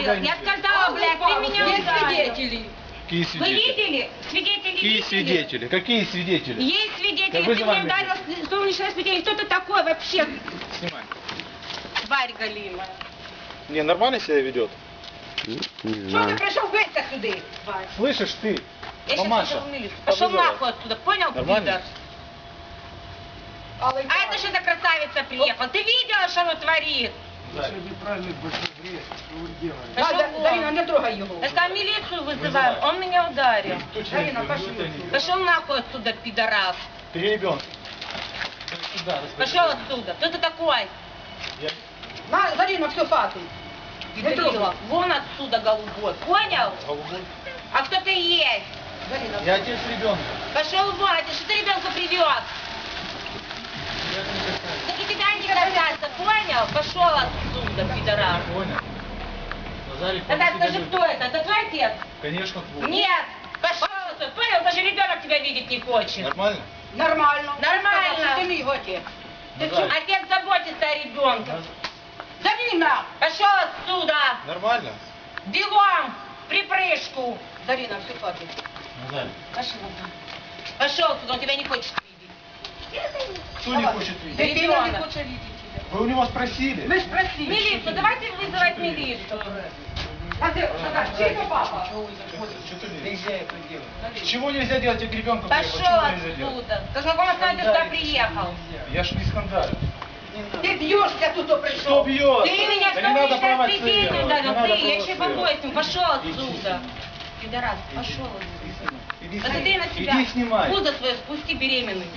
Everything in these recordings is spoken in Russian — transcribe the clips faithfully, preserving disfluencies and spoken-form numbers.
говорила, я сказала, блядь, ты меня Есть ударил. свидетели. Какие Вы свидетели? видели? Свидетели Какие видели? свидетели? Какие свидетели? Есть свидетели, Да ты вызывай мне меня. ударил солнечное свидетель. Кто ты такой вообще? Снимай. Тварь галимая. Не, нормально себя ведет? Що Не ти знаю. прийшов битися сюди? Тварь. Слышишь ты? Я сейчас Мамаша. пошел в милицию. Пошел Повызывай. нахуй отсюда, понял, Нормально? пидор? Але А это что за красавица приехала? Ты видела, что она творит? Пошел Да, вон. Дарина, не трогай його. Я сказала, милицию вызываем, он меня ударил. Дарина, пошли. Пошел нахуй отсюда, пидорас. Ты ребенок. Сюда, Пошел отсюда. Кто ты такой? Я... На, Дарина, всю хату. Не Пидорила. трогай. Вон отсюда, голубой. Понял? Голубой. А кто ты есть? Дарина, Я отец ребенка. Пошел вон, а ты что ты ребенка привез? Так и тебя не касается, понял? Пошел отсюда, пидорас. Понял. Назарик, Тогда он скажи, тебя кто это? Это твой отец? любит. Конечно, твой. Нет! Пошел отсюда, понял? Даже ребенок тебя видеть не хочет. Нормально? нормально. Нормально. Сказав, що ти мій отець. Ти Ну, чого? да. Отец заботится о ребенке. Дарина! Пошел отсюда! Нормально? Бегом! В припрыжку! Дарина, всю хату. Назарик. Пошел. Пошел отсюда, он тебя не хочет видеть. Кто не хочет видеть? Дитина не Ребенок. хоче видіти тебе. Вы у него спросили? Ми ж просили. Милицию, давайте вызывать милицию. А ти, що так, чий то папа? Что ты лезешь? Чего нельзя делать, я к ребенку приехал? Пошел Чего нельзя делать? отсюда. Ты знакома с нами, ты сюда приехал. Я ж не скандалю. Ти б'єшся тут, Кто прийшов. бьет? Ты меня Да не надо что порвать сейчас свидетель свидетелей. ударил. Не надо Ты, я еще порвать побоюсь с ним. Пошел Иди отсюда. сюда. Пидорас, пошел отсюда. Иди Посмотри снимай. на себя. Иди снимай. Пузо свое спусти беременный.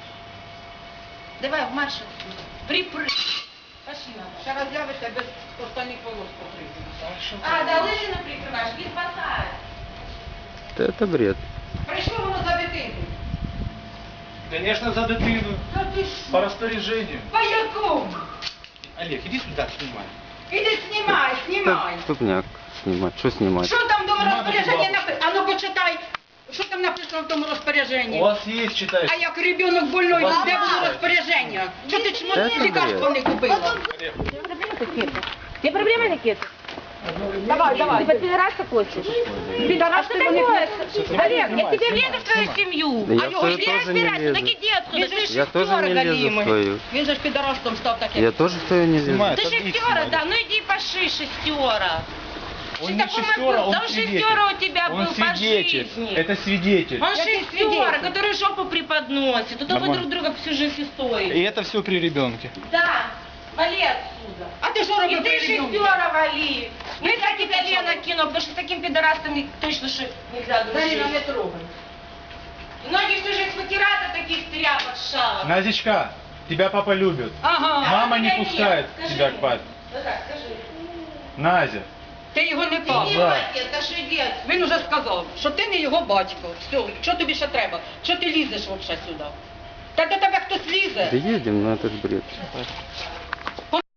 Давай, в марш отсюда. Припрыг. Пошли надо. Ще раз з'явиться без останніх полос покрити. А, да лыжи прикрываешь, не спасает. Да это бред. Прийшло воно за дитину. Конечно, за дитину. Та ти що? По распоряжению. По якому? Олег, иди сюда, снимай. Іди знімай, знімай. Так, тупняк снимать. Что снимать? Що там в тому Знімай, розпорядженні будь ласка. написано? А ну почитай. Що там написано в тому розпорядженні? У вас есть, читаешь. А як ребенок больной, Мама! де було розпорядження? Що ти чмо Це лікарство не купила? Олег, Тебе проблемы какие-то? Давай, давай. Ты под пидораса хочешь? Пидорас А ти что вони такое? не... Олег, я Снимай, тебе снимай, лезу в твою снимай. семью. Да я А в его свою иди тоже не разбирайся, лезу. так иди отсюда. Ты же Я тоже не шестёра лезу в галимый. свою. Він же ж підорастом став таким. Я тоже в свою не лезу. Снимай. Ты Это шестера, их да, ну иди поши, шестера. Он Ты не такой шестера, был, он да он свидетель. шестера у тебя Он был по свидетель. жизни. Это свидетель. Он Я тебе шестера, свидетель. который жопу преподносит. Это вы Нормально. друг друга всю жизнь и стоите. И это все при ребенке. Да, вали отсюда. А ти що И робив ты при ребенку? шестера вали. Ну я тебя Лена кину, потому что с таким пидорастом точно что нельзя Дарина, не дружить. трогай. Многие всю жизнь потирают от таких тряпок шалок. Назичка, тебя папа любит. Ага. Мама А не тебя пускает нет. Скажи тебя мне. к папе. Да так, скажи. Назя. Ти його не Ты папа. не Да. отец, а что дед? Він уже сказав, що ти не його батько. Все, що тобі ще треба? Що ти лізеш взагалі сюди? Та до тебе хтось лізе. Да едем, но этот бред.